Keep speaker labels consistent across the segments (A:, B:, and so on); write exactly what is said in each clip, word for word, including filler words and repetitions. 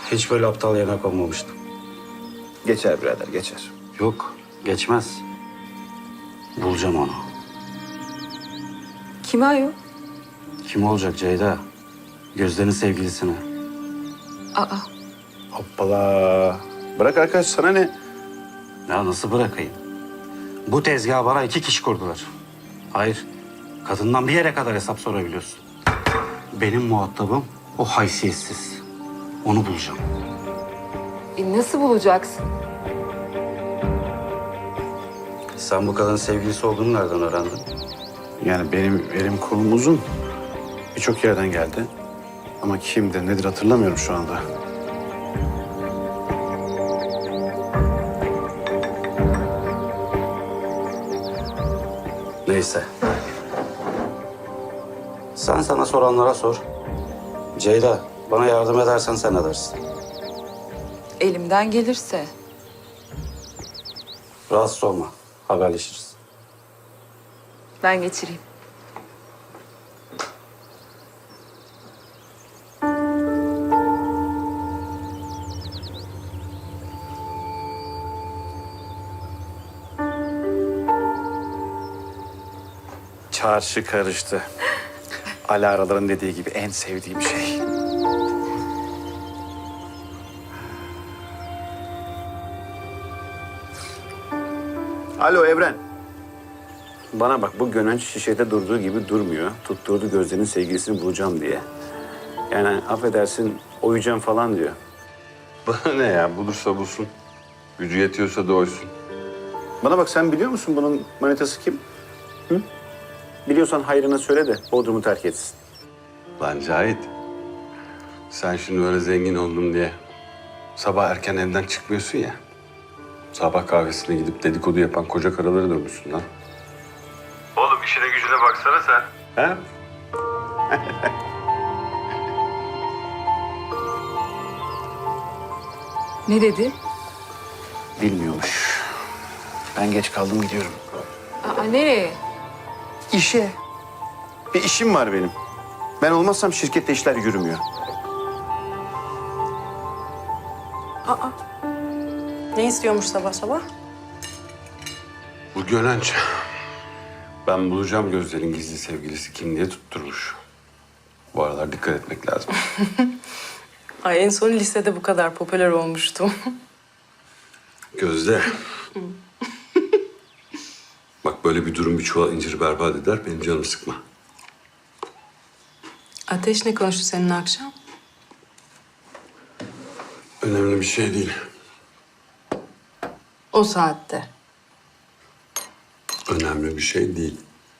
A: Hiç böyle aptal yerine konmamıştım.
B: Geçer birader, geçer.
A: Yok, geçmez. Bulacağım onu.
C: Kim ayol?
A: Kim olacak Ceyda? Gözde'nin sevgilisine.
C: Aa,
B: Hoppala. Bırak arkadaş, sana ne?
A: Ya nasıl bırakayım? Bu tezgahı bana iki kişi kurdular. Hayır, kadından bir yere kadar hesap sorabiliyorsun. Benim muhatabım o haysiyetsiz. Onu bulacağım.
C: e nasıl bulacaksın?
A: Sen bu kadının sevgilisi olduğunu nereden öğrendin?
B: Yani benim elim kolum uzun. Birçok yerden geldi. Ama kimdir, nedir hatırlamıyorum şu anda.
A: Neyse. Sen sana soranlara sor. Ceyda, bana yardım edersen sen edersin.
C: Elimden gelirse.
A: Rahatsız olma. Haberleşiriz.
C: Ben geçireyim.
B: Çarşı karıştı. Alaraların dediği gibi en sevdiğim şey. Alo Evren. Bana bak, bu Gönenç şişede durduğu gibi durmuyor. Tutturdu Gözde'nin sevgilisini bulacağım diye. Yani affedersin, oyacağım falan diyor.
D: Bana ne ya? Bulursa bulsun. Gücü yetiyorsa da oysun.
B: Bana bak, sen biliyor musun bunun manitası kim? Hı? Biliyorsan hayrına söyle de Bodrum'u terk etsin.
D: Lan Cahit. Sen şimdi öyle zengin oldum diye sabah erken evden çıkmıyorsun ya. Sabah kahvesine gidip dedikodu yapan koca karıları dönmüşsün lan. Oğlum işine gücüne baksana sen.
B: Ha?
C: Ne dedi?
B: Bilmiyormuş. Ben geç kaldım, gidiyorum.
C: Aa, nereye?
B: İşe. Bir işim var benim. Ben olmazsam şirkette işler yürümüyor.
E: Ne istiyormuş sabah sabah?
D: Bu Gönenç. Ben bulacağım Gözde'nin gizli sevgilisi kim diye tutturmuş. Bu aralar dikkat etmek lazım.
E: Ay en son lisede bu kadar popüler olmuştum.
D: Gözde. Bak böyle bir durum bir çuval inciri berbat eder. Benim canımı sıkma.
E: Ateş ne konuştu seninle akşam?
D: Önemli bir şey değil.
E: O saatte.
D: Önemli bir şey değil.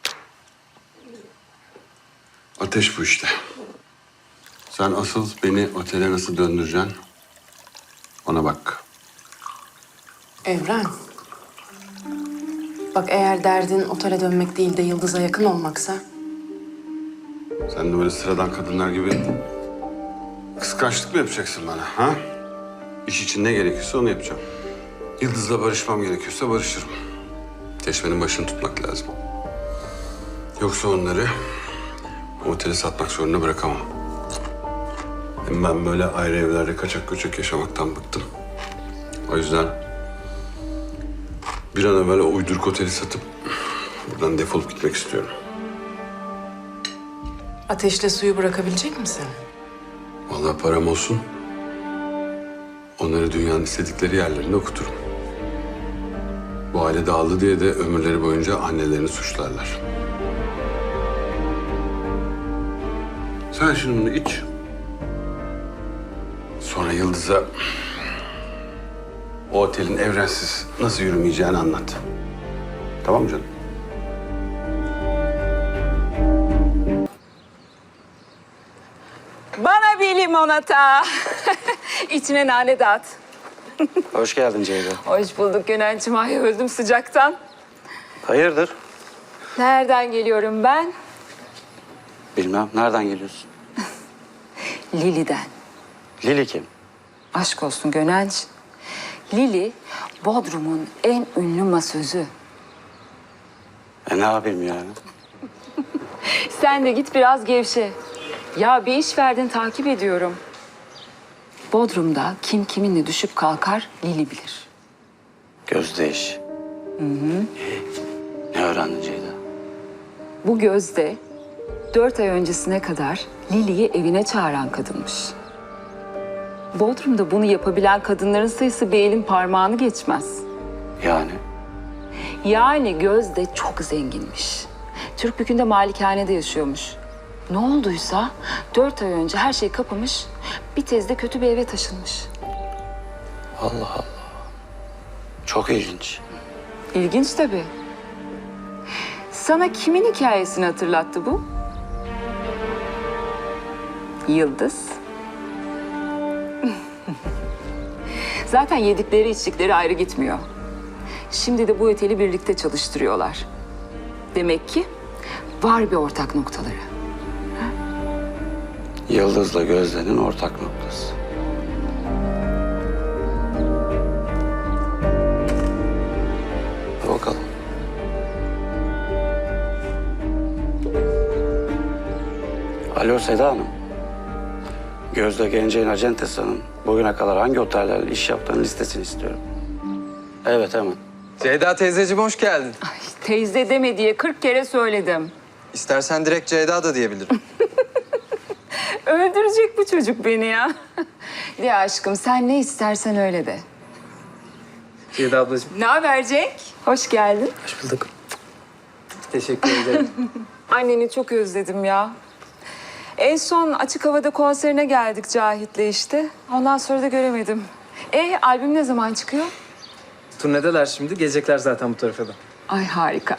D: Ateş bu işte. Sen asıl beni otele nasıl döndüreceksin? Ona bak.
E: Evren. Bak eğer derdin otele dönmek değil de Yıldız'a yakın olmaksa...
D: Sen de böyle sıradan kadınlar gibi kıskançlık mı yapacaksın bana, ha? İş için ne gerekiyorsa onu yapacağım. Yıldız'la barışmam gerekiyorsa barışırım. Teşmenin başını tutmak lazım. Yoksa onları oteli satmak zorunda bırakamam. Hem ben böyle ayrı evlerde kaçak göçek yaşamaktan bıktım. O yüzden bir an evvel o uyduruk oteli satıp buradan defolup gitmek istiyorum.
E: Ateşle suyu bırakabilecek misin?
D: Vallahi param olsun. Onları dünyanın istedikleri yerlerinde okuturum. Bu aile dağıldı diye de ömürleri boyunca annelerini suçlarlar. Sen şimdi bunu iç. Sonra Yıldız'a o otelin evrensiz nasıl yürümeyeceğini anlat. Tamam mı canım?
C: Bana bir limonata. İçine nane de at.
A: Hoş geldin Ceyda.
C: Hoş bulduk Gönenç'im. Ay öldüm sıcaktan.
A: Hayırdır?
C: Nereden geliyorum ben?
A: Bilmem. Nereden geliyorsun?
C: Lili'den.
A: Lili kim?
C: Aşk olsun Gönenç. Lili, Bodrum'un en ünlü masözü.
A: E ne yapayım yani?
C: Sen de git biraz gevşe. Ya bir iş verdin, takip ediyorum. Bodrum'da kim kiminle düşüp kalkar Lili bilir.
A: Gözde iş. Hı hı. Ne öğrendin Ceyda?
C: Bu Gözde dört ay öncesine kadar Lili'yi evine çağıran kadınmış. Bodrum'da bunu yapabilen kadınların sayısı bir elin parmağını geçmez.
A: Yani?
C: Yani Gözde çok zenginmiş. Türkbükü'nde malikanede yaşıyormuş. Ne olduysa dört ay önce her şey kapamış, bir tezde kötü bir eve taşınmış.
A: Allah Allah. Çok ilginç.
C: İlginç tabii. Sana kimin hikayesini hatırlattı bu? Yıldız. Zaten yedikleri içtikleri ayrı gitmiyor. Şimdi de bu oteli birlikte çalıştırıyorlar. Demek ki var bir ortak noktaları.
A: Yıldız'la Gözde'nin ortak noktası. Bakalım. Alo Seda Hanım. Gözde Gence'nin acentasının bugüne kadar hangi otellerle iş yaptığının listesini istiyorum. Evet hemen.
F: Ceyda teyzeciğim hoş geldin.
C: Ay, teyze deme diye kırk kere söyledim.
F: İstersen direkt Ceyda da diyebilirim.
C: Öldürecek bu çocuk beni ya. Ya aşkım sen ne istersen öyle de.
F: Ceyda ablacığım.
C: Ne haber Cenk? Hoş geldin.
F: Hoş bulduk. Teşekkür ederim.
C: Anneni çok özledim ya. En son açık havada konserine geldik Cahit'le işte. Ondan sonra da göremedim. E albüm ne zaman çıkıyor?
G: Turnedeler şimdi. Gelecekler zaten bu tarafa da.
C: Ay harika.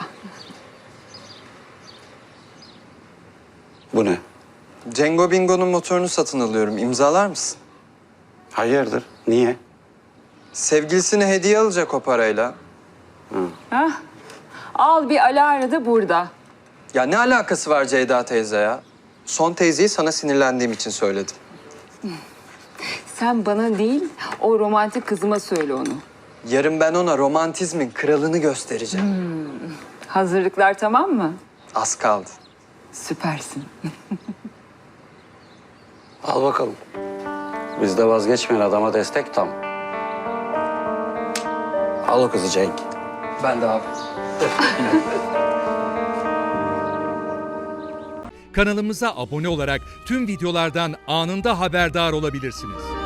A: Bu ne?
F: Cengo Bingo'nun motorunu satın alıyorum. İmzalar mısın?
A: Hayırdır? Niye?
F: Sevgilisine hediye alacak o parayla.
C: Hah. Al bir Alara da burada.
F: Ya ne alakası var Ceyda teyze ya? Son teyzeyi sana sinirlendiğim için söyledim.
C: Sen bana değil o romantik kızıma söyle onu.
F: Yarın ben ona romantizmin kralını göstereceğim.
C: Hazırlıklar tamam mı?
F: Az kaldı.
C: Süpersin.
A: Al bakalım. Bizde vazgeçmeyen adama destek tam. Al o kızı Cenk.
F: Ben de abi.
H: Kanalımıza abone olarak tüm videolardan anında haberdar olabilirsiniz.